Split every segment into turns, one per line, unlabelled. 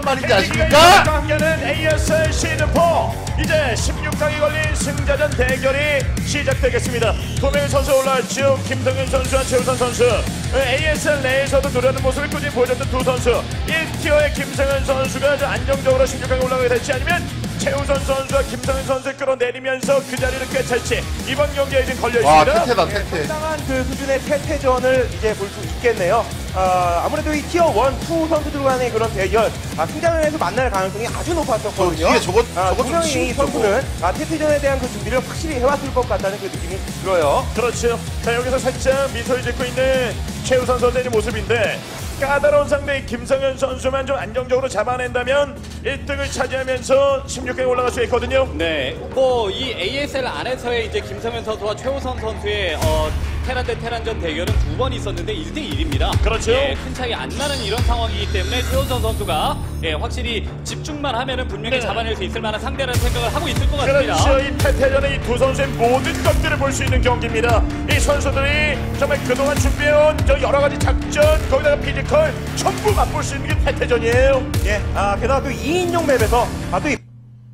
말인지 아십니까?
함께하는 ASL 시즌4 이제 16강에 걸린 승자전 대결이 시작되겠습니다. 두 명의 선수 올라왔죠. 김성현 선수와 최우선 선수. ASL 내에서도 노려하는 모습을 꾸준히 보여줬던 두 선수. 1티어의 김성현 선수가 아주 안정적으로 16강에 올라가게 될지 아니면 최우선 선수와 김성현 선수를 끌어내리면서 그 자리를 꿰찰지 이번 경기에 지금 걸려있습니다.
와 태태다 태태.
상당한 그 수준의 태태전을 이제 볼 수 있겠네요. 아무래도 이 티어 1, 2 선수들 간의 그런 대결 승자전에서 만날 가능성이 아주 높았었거든요.
뒤에 저거
분명히 이 선수는 태태전에 대한 그 준비를 확실히 해왔을 것 같다는 그 느낌이 들어요.
그렇죠. 자 여기서 살짝 미소를 짓고 있는 최우선 선수의 모습인데 까다로운 상대 김성현 선수만 좀 안정적으로 잡아낸다면 1등을 차지하면서 16강에 올라갈 수 있거든요.
네, 뭐 이 ASL 안에서의 이제 김성현 선수와 최우선 선수의 테란 대 테란전 대결은 두 번 있었는데 1대1입니다.
그렇죠.
예, 큰 차이 안 나는 이런 상황이기 때문에 최우선 선수가 확실히 집중만 하면은 분명히
네.
잡아낼 수 있을 만한 상대라는 생각을 하고 있을 것 같습니다.
그렇죠. 이 태태전에 이 두 선수의 모든 것들을 볼 수 있는 경기입니다. 이 선수들이 정말 그동안 준비해온 저 여러 가지 작전 거기다가 피지컬 전부 맛볼 수 있는 게 태태전이에요.
예, 게다가 또 2인용 맵에서 또 이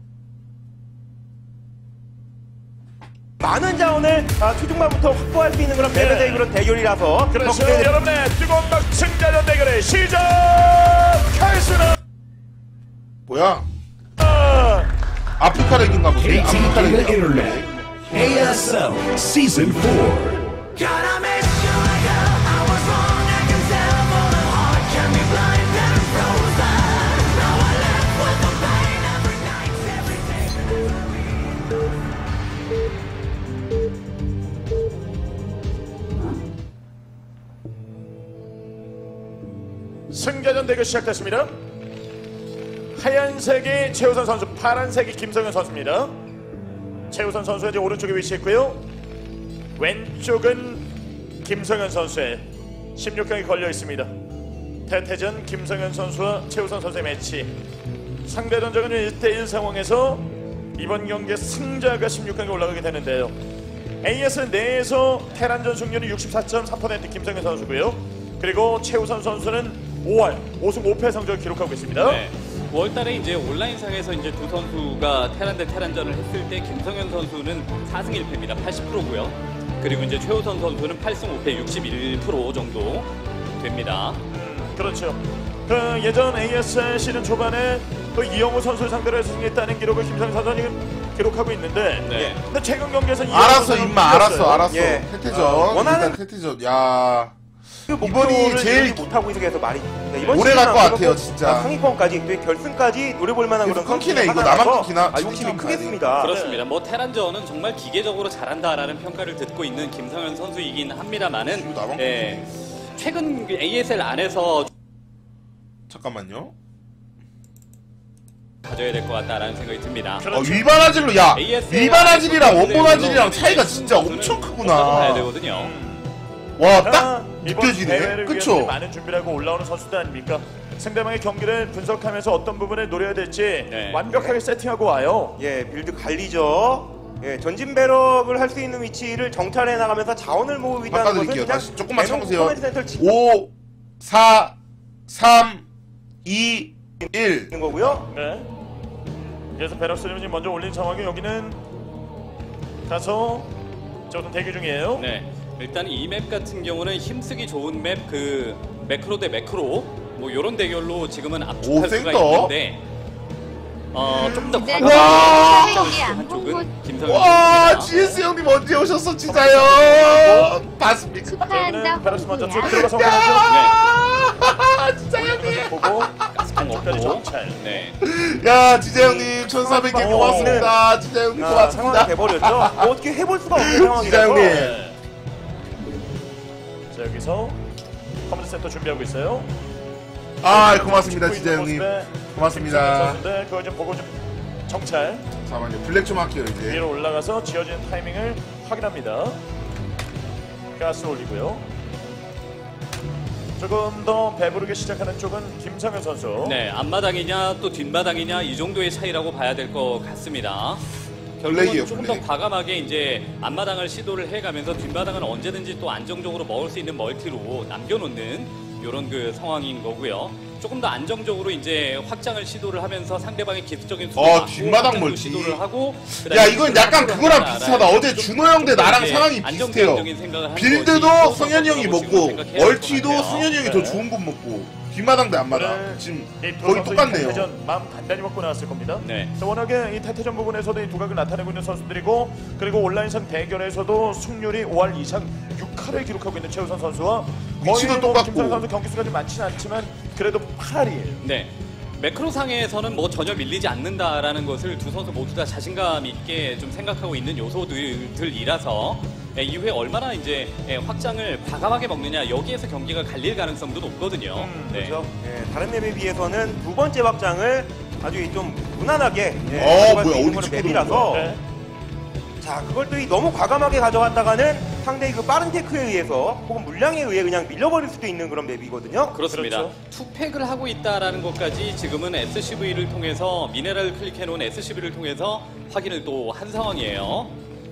많은 자원을 초중반부터 확보할 수 있는 그런 맵의 그런 대결이라서
그렇죠. 여러분의 뜨거운 막 승자전 대결을 시작하겠습니다.
뭐야? 아프리카 렉인가 보네. 아프리카 렉.
Internet. ASL Season 4.
Gotta make sure I was wrong. I can tell for the heart can be blind and frozen. Now I live with the pain every night, every day.
승자전 대결 시작됐습니다. 하얀색이 최우선 선수, 파란색이 김성현 선수입니다. 최우선 선수가 이제 오른쪽에 위치했고요. 왼쪽은 김성현 선수의 16강이 걸려 있습니다. 태태전 김성현 선수와 최우선 선수의 매치. 상대 전적은 1대1 상황에서 이번 경기의 승자가 16강에 올라가게 되는데요. AS 내에서 테란전 승률이 64.3% 김성현 선수고요. 그리고 최우선 선수는 5월 5승 5패 성적을 기록하고 있습니다.
네. 5월달에 이제 온라인상에서 이제 두 선수가 테란 대 테란전을 했을 때 김성현 선수는 4승 1패입니다. 80%고요. 그리고 이제 최우선 선수는 8승 5패 61% 정도 됩니다.
그렇죠. 그 예전 ASL 시즌 초반에 그 이영호 선수를 상대로 해서 승리했다는 기록을 김성현 선수가 기록하고 있는데,
네.
근데 최근 경기에서
알았어 임마 알았어.
예.
태태전.
원하는-
일단 태태전. 야.
그
이번이
목표를
제일
이루지 못하고 있어서 말이 이번
오래 갈것
시즌은
같아요, 진짜.
상위권까지 또 결승까지 노려볼 만한
계속
그런
끊기네, 이거.
하나라서
나만 끊기나?
욕심이
진짜
크겠습니다.
그렇습니다. 뭐 테란전은 정말 기계적으로 잘한다라는 평가를 듣고 있는 김성현 선수이긴 합니다만은
이거 나만
최근 ASL 안에서
잠깐만요.
가져야 될 것 같다라는 생각이 듭니다.
위반 화질로 야
ASL
위반 화질이랑 원본
선수들의
화질이랑
물론
차이가
이제
진짜
선수는
엄청
봐야
크구나.
되거든요.
와 딱
이번
느껴지네.
대회를
그쵸?
위해서 많은 준비를 하고 올라오는 선수들 아닙니까? 상대방의 경기를 분석하면서 어떤 부분을 노려야 될지
네.
완벽하게 세팅하고 와요.
예, 빌드 관리죠. 예, 전진 배럭을 할 수 있는 위치를 정찰해 나가면서 자원을 모으고 있다는 것은
바꿔드릴게요.
그냥
다시 조금만
대놓고
참으세요.
커맨드 센터를 짓고
5 4 3 2 1
있는 거고요.
네. 그래서 베럭스를 지금 먼저 올린 상황이 여기는 가서 조금 대기 중이에요.
네. 일단 이 맵 같은 경우는 힘쓰기 좋은 맵 그 매크로 대 매크로 뭐 이런 대결로 지금은 압축할 수가
센터.
있는데 좀 더
네.
과감하게 한쪽은 김성현
와
선수입니다.
GS 형님 언제 오셨어 진짜요? 봤습니까?
축하한다
베럭스 먼저 쭉
홍구야.
들어가서 확인하죠.
야 진짜 형님.
보고
가스통
끝까지
없고.
정찰.
네.
야 진짜 형님 1400개 고맙습니다. 진짜 형님
상황이
고맙습니다.
돼버렸죠. 뭐 어떻게 해볼 수가 없는
진짜
상황이라서.
형님.
네. 자 여기서 커맨드 센터 준비하고 있어요.
아 고맙습니다
찍고
진짜
있는
형님.
모습에
고맙습니다.
선수인데 그걸 좀 보고 좀 정찰
잠깐만요. 블랙 좀 할게요 이제.
위로 올라가서 지어지는 타이밍을 확인합니다. 가스 올리고요. 조금 더 배부르게 시작하는 쪽은 김성현 선수.
네, 앞마당이냐 또 뒷마당이냐 이 정도의 차이라고 봐야 될 것 같습니다.
플레이예요,
결국은 조금
플레이.
더 과감하게 이제 앞마당을 시도를 해가면서 뒷마당은 언제든지 또 안정적으로 먹을 수 있는 멀티로 남겨놓는 이런 그 상황인 거고요. 조금 더 안정적으로 이제 확장을 시도를 하면서 상대방의 기습적인
뒷마당 멀티.
시도를 하고
야 이건 약간 그거랑 비슷하다. 어제 준호 형 대 나랑 상황이 비슷해요. 빌드도 성현이 형이 먹고 멀티도 성현이 형이 더 좋은 것 먹고 뒷마당 대 앞마당 지금 거의 똑같네요.
태태전 마음 단단히 먹고 나왔을 겁니다.
네.
워낙에 이 태태전 부분에서도 이 두각을 나타내고 있는 선수들이고 그리고 온라인상 대결에서도 승률이 5할 이상 6할을 기록하고 있는 최우선 선수와
위치도 똑같고.
김선 선수 경기 수가 좀 많지는 않지만 그래도 8할이에요.
네. 매크로상에서는 뭐 전혀 밀리지 않는다라는 것을 두 선수 모두 다 자신감 있게 좀 생각하고 있는 요소들이라서 이후에 얼마나 이제 확장을 과감하게 먹느냐 여기에서 경기가 갈릴 가능성도 높거든요. 네.
그렇죠. 예, 다른 맵에 비해서는 두 번째 확장을 아주 좀 무난하게 가져갈 수
뭐야,
있는
어디
그런 맵이라서
네.
자 그걸 또 너무 과감하게 가져갔다가는 상대의 그 빠른 테크에 의해서 혹은 물량에 의해 그냥 밀려버릴 수도 있는 그런 맵이거든요.
그렇습니다.
그렇죠.
투팩을 하고 있다라는 것까지 지금은 SCV를 통해서 미네랄을 클릭해놓은 SCV를 통해서 확인을 또 한 상황이에요.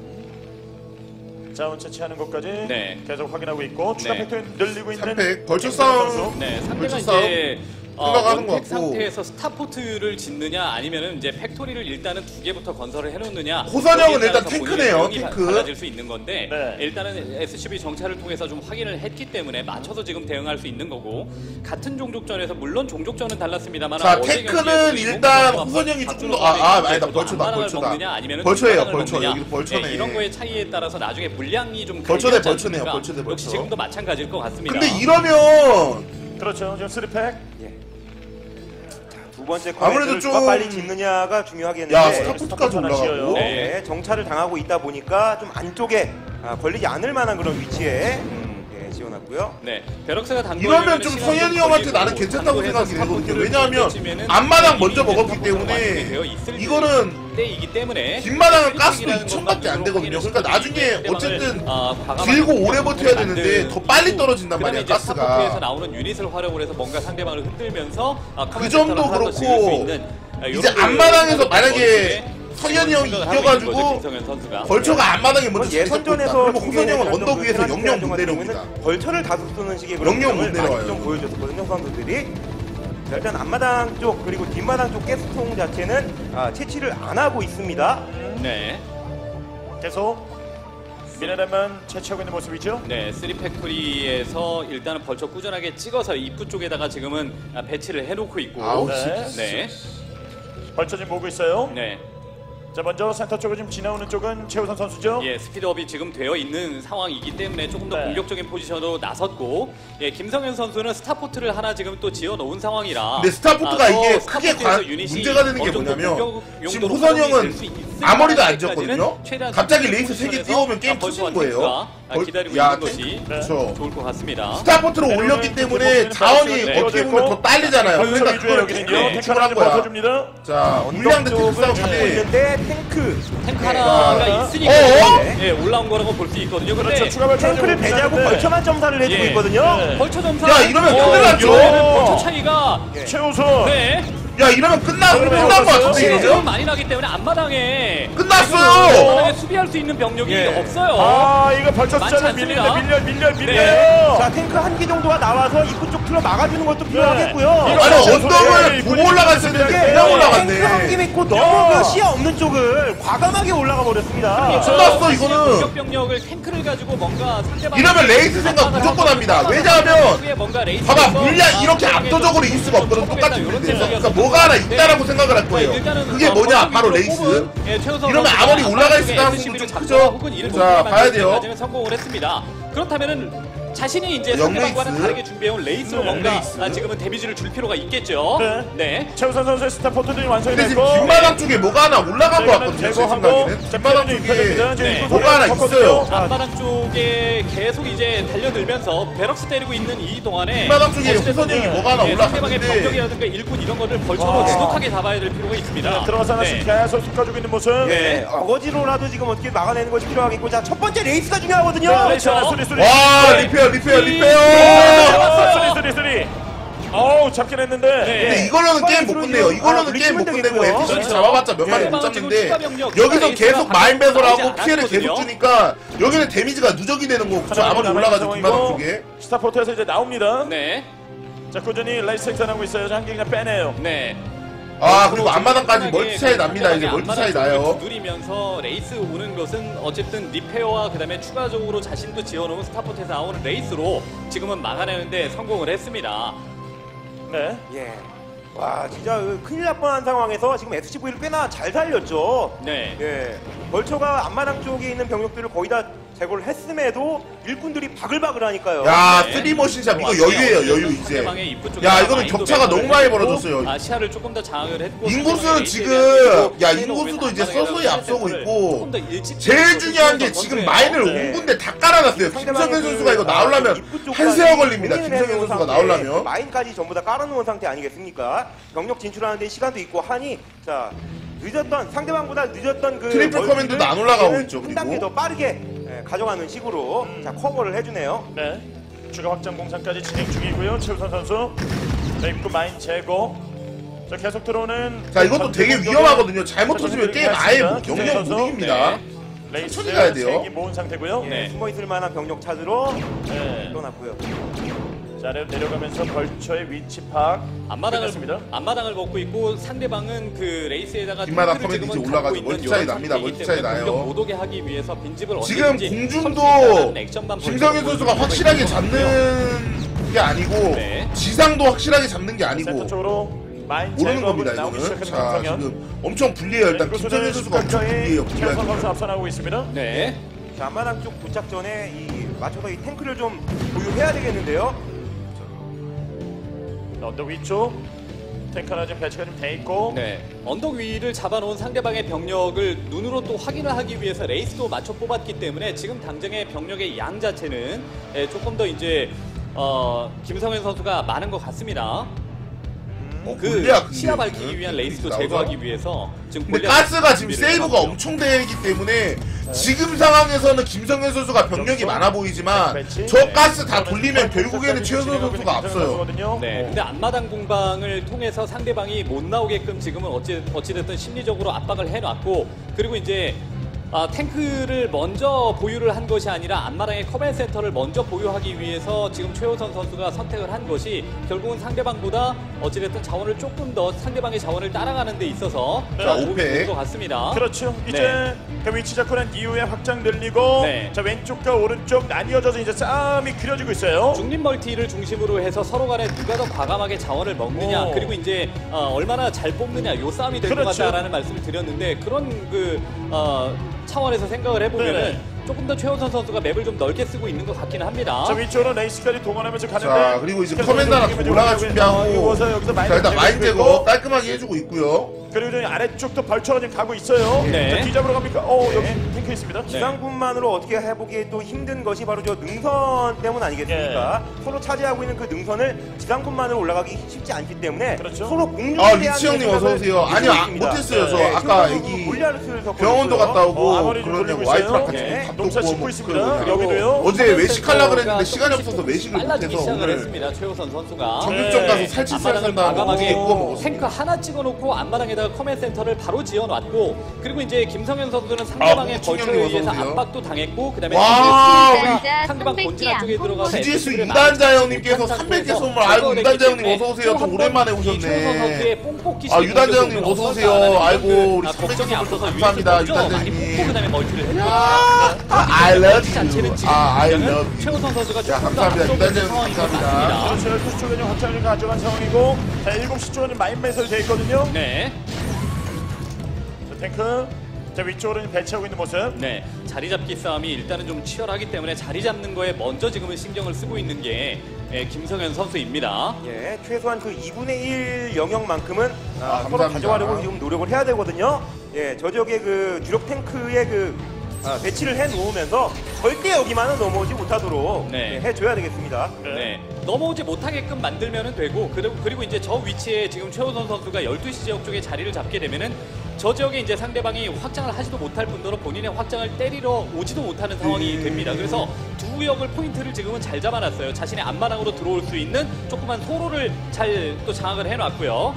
자원 채취하는 것까지
네.
계속 확인하고 있고 추가
네.
팩토리 늘리고 있는
3팩 벌초
김선
싸움.
선수.
네, 상대가
벌써
이제
생각하는 것
원팩
같고.
상태에서 스타포트를 짓느냐 아니면은 이제 팩토리를 일단은 2개부터 건설을 해놓느냐.
호선형은
여기에
일단
따라서
탱크네요,
본인의
탱크.
내용이 달라질 수 있는 건데
네.
일단은 SCV 정찰을 통해서 좀 확인을 했기 때문에 맞춰서 지금 대응할 수 있는 거고 같은 종족전에서 물론 종족전은 달랐습니다만
자 테크는 일단 호선형이 조금 더 아니다 벌초다 벌초예요 벌초 여기도 벌초네.
이런 거의 차이에 따라서 나중에 물량이 좀
벌초 대
갈리지
벌초네요,
않습니까?
벌초 대 벌초.
역시 지금도 마찬가지일 것 같습니다.
근데 이러면
그렇죠. 지금 3팩.
두 번째
아무래도
커맨드를
좀-
누가 빨리 짓느냐가 중요하겠는데
야 스타포트까지 올라가고
네.
네, 정찰을 당하고 있다 보니까 좀 안쪽에 걸리지 않을 만한 그런 위치에 지어놨고요.
네, 베럭스가 단
이러면 좀 성현이 형한테 나는 괜찮다고 생각이 되거든요. 왜냐하면 앞마당 먼저 먹었기 때문에 이거는
때이기 때문에
뒷마당은 가스도 2000밖에 안 되거든요. 그러니까 나중에 어쨌든 길고 오래 버텨야 되는데 더 빨리 떨어진단 말이야
스타포트에서
가스가.
나오는 유닛을 활용을 해서 뭔가 상대방을 흔들면서
그 점도 그렇고 이제 앞마당에서 만약에 성현이 형이 이겨가지고 벌초가 앞마당에 먼저
예선전에서
그러면 호선 형은 언덕 위에서 영영 못 내려옵니다.
벌처를 다수 쓰는 식의 그런
영영 못
모습을
내려와요.
많이 좀 보여줬거든요 선수들이. 자, 일단 앞마당 쪽 그리고 뒷마당 쪽 가스통 자체는 채취를 안 하고 있습니다.
네,
계속 미네랄만 채취하고 있는 모습이죠.
네, 3팩토리에서 일단은 벌초 꾸준하게 찍어서 입구 쪽에다가 지금은 배치를 해놓고 있고,
아우,
네,
벌쳐 지금 보고 있어요.
네.
자 먼저 센터 쪽으로 지금 지나오는 쪽은 최우선 선수죠.
예, 스피드업이 지금 되어 있는 상황이기 때문에 조금 더
네.
공격적인 포지션으로 나섰고, 예, 김성현 선수는 스타포트를 하나 지금 또 지어 놓은 상황이라.
근데 스타포트가 이게
또
크게
스타포트에서 유닛이
문제가 되는 게
어느 정도
뭐냐면
공격
지금
용도로
호선
활용이
형은
될수 있을
아머리도 안
때까지는
지었거든요.
최대한
갑자기
스피드
레이스 3개
포지션에서
띄우면 게임
벌처와
터지는 거예요.
탱크가 기다리고
야,
있는 것이
그렇죠.
좋을 것 같습니다.
스타포트로 올렸기 때문에 자원이 어떻게 보면 더 딸리잖아요.
벌쳐
그러니까
위주의
그걸
여기는요.
탱크로
탱크
추출한
하나
거야.
버텨줍니다.
자, 물량 대 탱크
쪽을 잡고
싸움인데
있는데 탱크
탱크 하나가 있으니까
어어?
예, 올라온 거라고 볼 수 있거든요. 근데
그렇죠. 추가 벌쳐
탱크를 배제하고 벌처만 점사를 해주고
예.
있거든요.
네.
벌처 점사.
야, 이러면 큰일 났죠.
이러면 벌처 차이가
최우선.
네.
야 이러면 끝난 거 같은데
지금
이러죠?
많이 나기 때문에 앞마당에
끝났어요.
앞마당에 수비할 수 있는 병력이
예.
없어요.
아 이거 벌쳐
많지
숫자를
않습니다.
밀려요.
자 탱크 한 기 정도가 나와서 입구 쪽 틀어 막아주는 것도 필요하겠고요.
아니 언덕을 보고 올라갔어야 되는데 그냥
탱크 한 기
올라갔네.
믿고 너무 그 시야 없는 쪽을 과감하게 올라가 버렸습니다.
끝났어 이거는.
공격 병력을 탱크를 가지고 뭔가 상대방
이러면 레이스 생각 무조건 합니다. 왜냐하면 봐봐 물량 이렇게 압도적으로 이길 수가 없거든 똑같은 빌드에서. 그러니까 뭐가 하나 있다라고 생각을 할 거예요. 그게 뭐냐 바로 레이스. 이러면 아무리 올라가 있을 가능성은 좀 크죠. 자 봐야 돼요.
성공을 했습니다. 그렇다면은 자신이 이제
영
상대방과는
레이스.
다르게 준비해온 레이스로
네,
뭔가
레이스.
지금은 데미지를 줄 필요가 있겠죠.
네.
네.
최우선 선수의 스타포트들이 완성이
근데 지금
됐고
뒷마당 쪽에 뭐가 하나 올라간 것 같거든요. 제
제거하고
생각에는 뒷마당 쪽에
네.
뭐가 하나 있어요.
앞마당 쪽에 계속 이제 달려들면서 베럭스 때리고 있는 이 동안에
뒷마당 쪽에
어찌됐든
호선 형이 뭐가 하나
상대방의
올라갔는데
병력이라든가 일꾼 이런 것들 벌처로 지독하게 잡아야 될 필요가 있습니다.
들어가서 하나씩
네.
계속 쏟아주고 있는 모습.
네, 어거지로라도 지금 어떻게 막아내는 것이 필요하겠고, 자, 첫 번째 레이스가 중요하거든요.
와 리페어
쓰리. 어우 잡긴 했는데.
근데 이걸로는 게임 못 끝내요. 이걸로는 게임 못 끝내고 에피소드 잡아봤자 몇 마리 못 잡는데 여기서 계속 마인 배설하고 피해를 계속 주니까 여기는 데미지가 누적이 되는 거고 그쵸? 아무리 올라가도 뒷마당 쪽에
스타포트에서 이제 나옵니다.
네.
자 꾸준히 레이스 생산하고 있어요. 한 개 그냥 빼내요.
네.
그리고 앞마당까지 멀티 차이 납니다. 이제 멀티 차이 나요.
두드리면서 레이스 오는 것은 어쨌든 리페어와 그다음에 추가적으로 자신도 지어놓은 스타포트에서 나오는 레이스로 지금은 막아내는데 성공을 했습니다.
네.
예. 와 진짜 큰일 날 뻔한 상황에서 지금 SCV를 꽤나 잘 살렸죠.
네.
예. 벌처가 앞마당 쪽에 있는 병력들을 거의 다 제거를 했음에도 일꾼들이 바글바글 하니까요.
야,
네.
3머신샵 이거 여유예요, 여유 이제.
상대방의 입구 쪽에
야, 이거는
마인도
격차가 너무 많이
매설을
벌어졌어요.
했고, 시야를 조금 더 장악을 했고
인구수는
상대방의
지금
레이스에 대한
야,
계속
인구수도 이제
앞마당에다가
서서히 앞서고
센터를
있고
조금 더 일찍
제일
찍어서
중요한 게
선수예요.
지금 마인을
네.
5군데 다 깔아놨어요. 김성현 선수가 이거 나오려면 한 세어 걸립니다. 김성현 선수가 나오려면.
마인까지 전부 다 깔아놓은 상태 아니겠습니까? 병력 진출하는데 시간도 있고 하니 자 늦었던 상대방보다 늦었던 그
트리플
멀티를
커맨드도 안 올라가고 있죠,
한
그리고.
단계 더 빠르게 가져가는 식으로 자 커버를 해주네요.
네. 추가 확장 공사까지 진행 중이고요. 최우선 선수. 자, 입구 마인 제거. 자, 계속 들어오는.
자, 이것도 되게 위험하거든요. 잘못 터지면 게임 아예 영영 못 이깁니다.
레이스
천천히 가야 돼요.
세기 모은 상태고요.
예, 숨어있을 만한 병력 찾으러
네.
떠났고요.
자, 아래로 내려가면서 벌처의 위치 파악. 끝났습니다.
앞마당을 먹고 있고 상대방은 그 레이스에다가
뒷마당
탱크를
커맨드
지금은
이제 올라가서
갖고 있는
멀티 차이
이런
납니다.
상태이기
멀티 차이
때문에
나요.
공격 못 오게 하기 위해서 빈집을
지금
언제든지
공중도
선취해가는 액션만
김성현
벌여서
선수가 확실하게
보여주고 있고요.
잡는 게 아니고
네.
지상도 확실하게 잡는 게
센터
아니고
쪽으로 마인
모르는
제거하고
겁니다.
나오기
이거는.
시작하는
자,
김성현.
지금 엄청 불리해요. 일단 김성현 선수가 엄청 불리해요.
최우선 선수
불리하죠.
앞서나오고 있습니다.
네.
자 앞마당 쪽 도착 전에 이 맞춰서 이 탱크를 좀 보유해야 되겠는데요.
언덕 위쪽 탱크 하나 지금 배치가 좀 돼 있고.
네. 언덕 위를 잡아놓은 상대방의 병력을 눈으로 또 확인을 하기 위해서 레이스도 맞춰 뽑았기 때문에 지금 당장의 병력의 양 자체는 조금 더 이제 김성현 선수가 많은 것 같습니다. 그
골리앗 근데
시야
지금
밝히기 위한 레이스도
나오죠?
제거하기 위해서 지금
근데
골리앗
가스가 지금
준비를
세이브가
해놨죠.
엄청 되기 때문에 지금 상황에서는 김성현 선수가 병력이 많아 보이지만 저 가스 다 돌리면 결국에는 최우선 선수가 앞서요.
네, 근데 앞마당 공방을 통해서 상대방이 못 나오게끔 지금은 어찌됐든 심리적으로 압박을 해놨고 그리고 이제 탱크를 먼저 보유를 한 것이 아니라 앞마당의 커맨 센터를 먼저 보유하기 위해서 지금 최우선 선수가 선택을 한 것이 결국은 상대방보다 어찌됐든 자원을 조금 더 상대방의 자원을 따라가는 데 있어서
자,
도움이
오페.
되는 것 같습니다.
그렇죠. 이제
네.
그 위치 잡고 난 이후에 확장 늘리고
네.
자 왼쪽과 오른쪽 나뉘어져서 이제 싸움이 그려지고 있어요.
중립 멀티를 중심으로 해서 서로 간에 누가 더 과감하게 자원을 먹느냐
오.
그리고 이제 얼마나 잘 뽑느냐 요 싸움이 될 것
그렇죠.
같다라는 말씀을 드렸는데 그런 차원에서 생각을 해보면은
네네.
조금 더 최우선 선수가 맵을 좀 넓게 쓰고 있는 것 같기는 합니다.
자 위쪽으로 레이스까지 동원하면서 가는데
자, 그리고 이제
계속
커맨드 하나
움직임을
더 올라갈
좀
준비하고
여기서
자, 일단 마인 제거
제거
깔끔하게 해주고 있고요.
그리고 저기 아래쪽도 벌처가 지금 가고 있어요.
네.
자, 뒤잡으러 갑니까? 여기 탱크 있습니다.
지상군만으로 어떻게 해보기에 또 힘든 것이 바로 저 능선 때문 아니겠습니까? 서로 차지하고 있는 그 능선을 지상군만으로 올라가기 쉽지 않기 때문에
그렇죠.
서로 공중에
리치 형님 어서 오세요. 아니요, 못했어요. 저 아까 애기 병원도 갔다 오고
아버지 좀
그러냐고
돌리고
와이프랑
있어요.
같이
네.
밥도
농사 짓고
구워
있습니다.
먹고
여기도요.
어제 외식하려고 그랬는데 시간이 없어서 외식을
빨라지기
못해서
시작을
오늘
했습니다. 최우선 선수가.
정육점 가서 살치살
앞마당을
산다고
과감하게
구워 먹었어요.
탱크 하나 찍어놓고 앞마당에다가 커맨 센터를 바로 지어놨고 그리고 이제 김성현 선수는 상대방의
뭉충
벌처에
형님
의해서
어서 오세요.
압박도 당했고 그다음에
와,
상대방 본진화 쪽에 들어가서
GS
SC를
이단자 형님께서
많이
300개 선물
제거를
아이고
했기
이단자 형님
때문에
어서 오세요. 또
또
오랜만에
한번 이 최우선 선수의
오셨네.
뽕뽑기
아, 유단자 형님 어서 오세요. 아이고 우리 300개
걱정이
선물
앞서서
감사합니다.
위에서
유단자
많이 뽑고
형님.
그다음에 멀티를 했고
I love
자체는
you.
지금
I love
당장은
you.
최우선 선수가
자,
조금 더
감사합니다.
앞서고
유단자
있는
형님
상황인 것
감사합니다.
같습니다.
그렇죠. 12시 쪽에 확장을 가져간 상황이고 자 7시 쪽은 마인 매설이 돼 있거든요.
네.
자, 탱크 자 위쪽으로 배치하고 있는 모습.
네, 자리 잡기 싸움이 일단은 좀 치열하기 때문에 자리 잡는 거에 먼저 지금은 신경을 쓰고 있는 게 김성현 선수입니다.
예, 최소한 그 2분의 1 영역만큼은 서로
감사합니다.
가져가려고 지금 노력을 해야 되거든요. 예, 저 지역의 그 주력 탱크의 그 배치를 해 놓으면서 절대 여기만은 넘어오지 못하도록
네.
해줘야 되겠습니다.
네, 넘어오지 못하게끔 만들면 되고 그리고 이제 저 위치에 지금 최우선 선수가 12시 지역 쪽에 자리를 잡게 되면은 저 지역에 이제 상대방이 확장을 하지도 못할 뿐더러 본인의 확장을 때리러 오지도 못하는 상황이 됩니다. 그래서 두 구역을 포인트를 지금은 잘 잡아놨어요. 자신의 앞마당으로 들어올 수 있는 조그만 소로를 잘 또 장악을 해놨고요.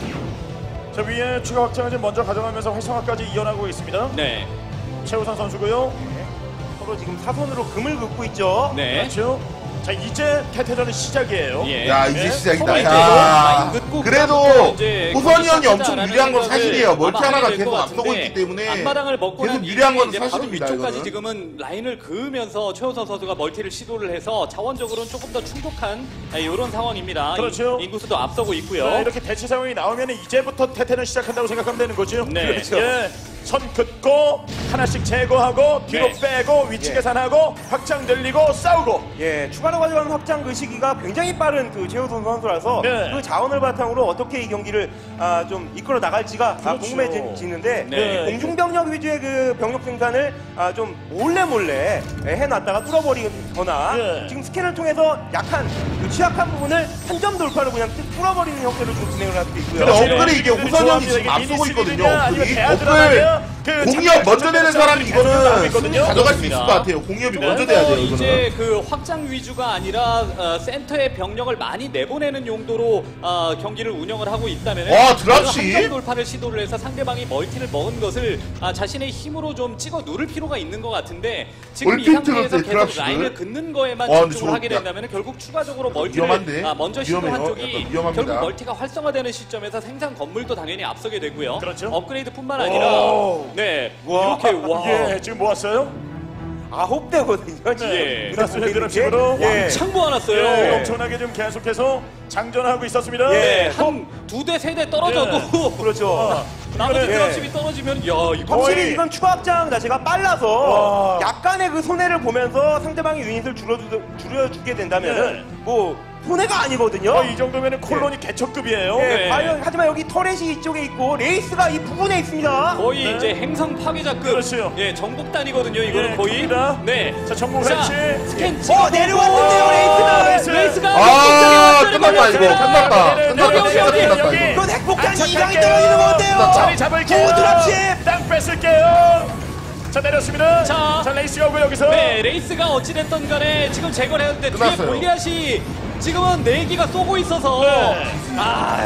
자 위에 추가 확장을 지금 먼저 가져가면서 활성화까지 이어나가고 있습니다.
네,
최우선 선수고요.
서로 지금 사선으로 금을 긋고 있죠.
네.
그렇죠. 자 이제 태태전은 시작이에요.
예.
야 이제
예?
시작이다.
이제
야.
라인 긋고
그래도
그다음부터 이제
호선이 형이
경기
엄청
시작하자라는
유리한 건
생각을
사실이에요. 멀티
아마
하나가
하게 될것
계속 앞서고
같은데
있기 때문에
앞마당을 먹고
계속
난
유리한 건
이후에 이제 바로
사실입니다.
위쪽까지
이거는.
지금은 라인을 그으면서 최우선 선수가 멀티를 시도를 해서 자원적으로는 조금 더 충족한 이런 상황입니다.
그렇죠.
인구수도 앞서고 있고요.
네, 이렇게 대치 상황이 나오면 이제부터 태태는 시작한다고 생각하면 되는 거죠.
네.
그렇죠. 예. 선 긋고 하나씩 제거하고 뒤로
네.
빼고 위치
예.
계산하고 확장 늘리고 싸우고.
예, 추가로 가져가는 확장 그 시기가 굉장히 빠른 그 최우선 선수라서
네.
그 자원을 바탕으로 어떻게 이 경기를 좀 이끌어 나갈지가
그렇죠.
궁금해지는데
네.
공중병력 위주의 그 병력 생산을 좀 몰래 해놨다가 뚫어버리거나
네.
지금 스캔을 통해서 약한 그 취약한 부분을 한 점 돌파로 그냥 뚫어버리는 형태로 좀 진행을 할 수도 있고요.
근데
그렇죠.
업글이 이게
네.
호선이 형이 지금
이게
앞서고 있거든요.
아니면
업글이
대하드라마면 그
업글 공이업 먼저 내는 사람이
계속 나오고
이거는
있거든요.
승리 가져갈 수 있을 것 같아요. 공이업이 먼저 돼야 돼요. 이거는.
이제 그 확장 위주가 아니라 센터에 병력을 많이 내보내는 용도로 경기를 운영을 하고 있다면
와, 드랍시?
한점 돌파를 시도를 해서 상대방이 멀티를 먹은 것을 자신의 힘으로 좀 찍어 누를 필요가 있는 것 같은데 지금 이
올핀트
상태에서
때
계속
드랍시를?
라인을 긋는 거에만
와, 근데
집중을 하게
저거
된다면 결국 추가적으로 멀티를
위험한데?
먼저 시도한
위험해요.
쪽이
약간 위험합니다.
결국 멀티가 활성화되는 시점에서 생산 건물도 당연히 앞서게 되고요.
그렇죠.
업그레이드뿐만 아니라
오.
네
와.
이렇게 와
예, 지금 모았어요?
9대거든요. 지금.
네.
그다음
드랍십을
보게
드랍십으로
되는 게.
창 모아놨어요.
예, 엄청나게 좀 계속해서 장전하고 있었습니다.
예.
한 두 대 세 대 떨어져도
그렇죠.
나머지
이거는-
드랍십이 떨어지면 야 이거
확실히
거의-
이건 추가 확장 자체가 빨라서
와.
약간의 그 손해를 보면서 상대방의 유닛을 줄여주게 된다면은
네.
뭐 손해가 아니거든요.
이 정도면은 콜론이 개척급이에요.
예,
네.
과연 하지만 여기 터렛이 이쪽에 있고 레이스가 이 부분에 있습니다.
거의
네.
이제 행성 파괴자급
그렇죠.
예 정복단이거든요 이거는
예,
거의
갑니다.
네.
자, 정복
자,
설치.
스캔 찍어
내려왔는데요, 레이스가.
레이스가
아, 끝났다 이거. 끝났다.
네,
끝났다.
여기,
진짜
여기,
끝났다
여기.
이거.
이건 핵폭탄
안착할게요.
이상이 떨어지는 것 같아요.
자리 잡을게요.
오, 드랍십.
땅 뺏을게요. 자, 내렸습니다.
자.
레이스가 오고 여기서.
네 레이스가 어찌됐던 간에 지금 제거를 했는데 뒤에
끝났어요.
골리앗이 지금은 4기가 쏘고 있어서
네.
아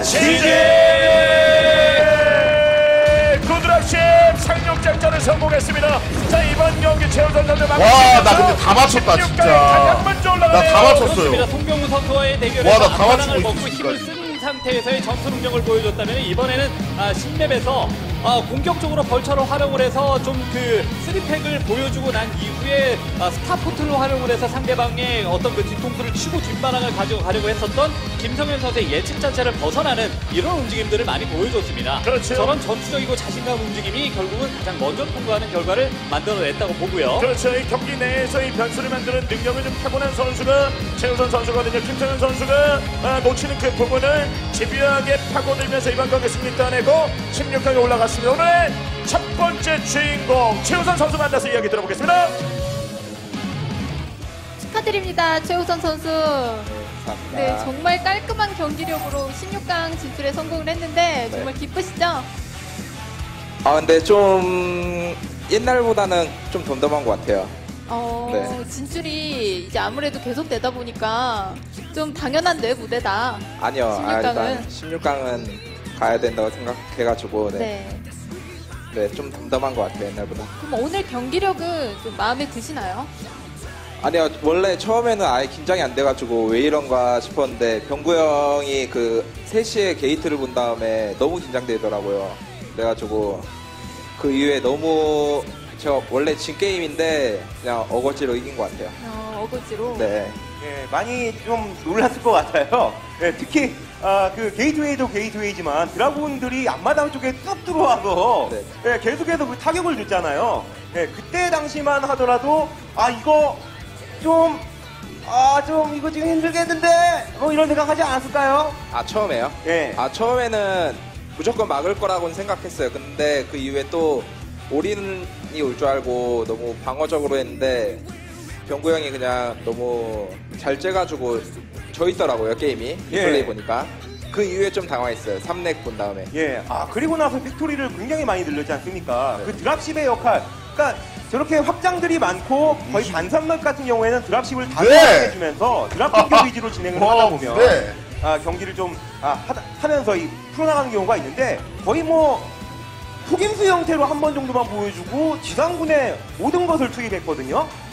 이제 구드랍십 상륙작전을 성공했습니다. 자, 이번 경기 최우선 선수
와, 나 근데 다 맞췄다, 진짜.
가장 먼저 올라가네요.
나 다 맞췄어요.
그렇습니다. 송병우 선수와의 대결에서
와, 나다
앞바닥을
맞추고
먹고
있어,
힘을
지금까지.
쓴 상태에서의 전투 능력을 보여줬다면 이번에는 신맵에서 공격적으로 벌처를 활용을 해서 좀 그 3팩을 보여주고 난 이후에 스타포트를 활용을 해서 상대방의 어떤 그 뒤통수를 치고 뒷바닥을 가지고 가려고 했었던 김성현 선수의 예측 자체를 벗어나는 이런 움직임들을 많이 보여줬습니다.
그렇죠.
저런 전투적이고 자신감 움직임이 결국은 가장 먼저 통과하는 결과를 만들어냈다고 보고요.
그렇죠. 이 경기 내에서 이 변수를 만드는 능력을 좀 타고난 선수가 최우선 선수거든요. 김성현 선수가 놓치는 그 부분을 집요하게 파고들면서 이번 경기 승리 따내고 16강에 올라갔습니다. 오늘 첫 번째 주인공 최우선 선수 만나서 이야기 들어보겠습니다.
축하드립니다, 최우선 선수. 네, 정말 깔끔한 경기력으로 16강 진출에 성공을 했는데 정말 기쁘시죠?
아 근데 좀 옛날보다는 좀 덤덤한 것 같아요. 네.
진출이 이제 아무래도 계속 되다 보니까 좀 당연한 내 무대다.
아니요,
16강은?
일단 16강은 가야 된다고 생각해가지고
네.
네, 좀 덤덤한 것 같아요 옛날보다.
그럼 오늘 경기력은 좀 마음에 드시나요?
아니요, 원래 처음에는 아예 긴장이 안 돼가지고 왜 이런가 싶었는데 병구 형이 그 3시에 게이트를 본 다음에 너무 긴장되더라고요. 그래가지고 그 이후에 너무 제가 원래 진 게임인데 그냥 어거지로 이긴 것 같아요.
어거지로.
네.
예, 많이 좀 놀랐을 것 같아요. 예, 특히 그 게이트웨이도 게이트웨이지만 드라군들이 앞마당 쪽에 뚝 들어와서
네.
예, 계속해서 그 타격을 줬잖아요. 예, 그때 당시만 하더라도 이거 좀 이거 지금 힘들겠는데 뭐 이런 생각 하지 않았을까요?
아 처음에요?
예.
아 처음에는 무조건 막을 거라고는 생각했어요. 근데 그 이후에 또 올인이 올 줄 알고 너무 방어적으로 했는데 병구 형이 그냥 너무 잘 째가지고 져 있더라고요 게임이.
예.
플레이 보니까 그 이후에 좀 당황했어요. 3렉 본 다음에.
예, 그리고 나서 빅토리를 굉장히 많이 늘렸지 않습니까? 그 드랍십의 역할, 그러니까 저렇게 확장들이 많고 거의 반선막 같은 경우에는 드랍십을 다
네.
해주면서 드랍 공격 위주로 진행을 하다 보면
네.
경기를 좀 하면서 풀어나가는 경우가 있는데 거의 뭐 폭임수 형태로 한 번 정도만 보여주고 지상군의 모든 것을 투입했거든요.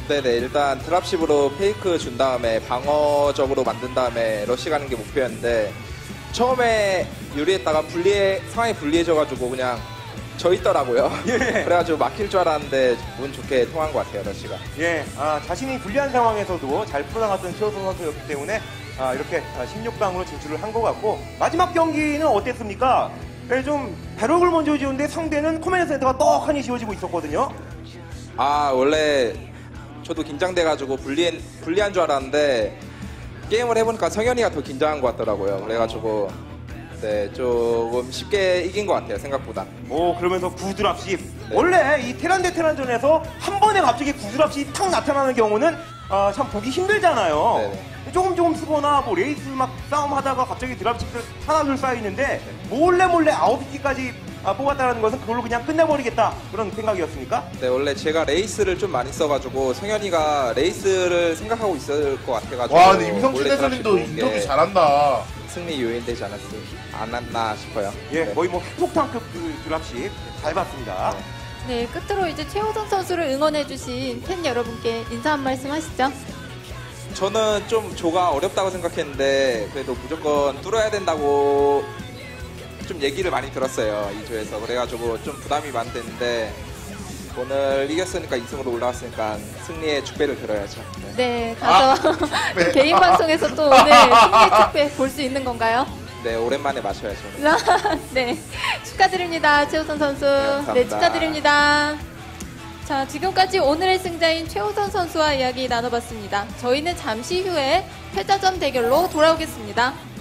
네네, 일단 드랍십으로 페이크 준 다음에 방어적으로 만든 다음에 러시 가는 게 목표였는데 처음에 유리했다가 상황이 불리해져가지고 그냥 져 있더라고요.
예.
그래가지고 막힐 줄 알았는데 운 좋게 통한 것 같아요, 러시가.
예, 자신이 불리한 상황에서도 잘 풀어나갔던 최우선 선수였기 때문에 이렇게 16강으로 진출을 한 것 같고 마지막 경기는 어땠습니까? 예, 좀 배럭을 먼저 지었는데 상대는 코맨드 센터가 떡하니 지어지고 있었거든요.
원래 저도 긴장돼가지고 불리한 줄 알았는데 게임을 해보니까 성현이가 더 긴장한 것 같더라고요. 그래가지고 네, 조금 쉽게 이긴 것 같아요, 생각보다.
오, 그러면서 구드랍십.
네.
원래 이 테란 대 테란전에서 한 번에 갑자기 구드랍십이 탁 나타나는 경우는 참 보기 힘들잖아요.
네네.
조금 쓰거나 뭐 레이스 막 싸움하다가 갑자기 드랍십들 하나둘 쌓이는데 몰래 9기까지 뽑았다는 것은 그걸로 그냥 끝내버리겠다 그런 생각이었습니까?
네, 원래 제가 레이스를 좀 많이 써가지고 성현이가 레이스를 생각하고 있을 것 같아가지고
와 근데 임성춘
몰래
대선님도
드랍십
인터뷰
게
잘한다.
승리 요인되지 않았나 싶어요.
예,
네.
거의 뭐 핵폭탄급 그 드랍십 잘 봤습니다.
네, 끝으로 이제 최우선 선수를 응원해주신 팬 여러분께 인사 한 말씀 하시죠.
저는 좀 조가 어렵다고 생각했는데 그래도 무조건 뚫어야 된다고 좀 얘기를 많이 들었어요, 이 조에서. 그래가지고 좀 부담이 많이 됐는데 오늘 이겼으니까 2승으로 올라왔으니까 승리의 축배를 들어야죠. 네.
네, 가서
네.
개인 방송에서 또 오늘 승리 축배 볼 수 있는 건가요?
네, 오랜만에 마셔야죠.
네, 축하드립니다, 최우선 선수.
감사합니다.
네, 축하드립니다. 자, 지금까지 오늘의 승자인 최우선 선수와 이야기 나눠봤습니다. 저희는 잠시 후에 패자전 대결로 돌아오겠습니다.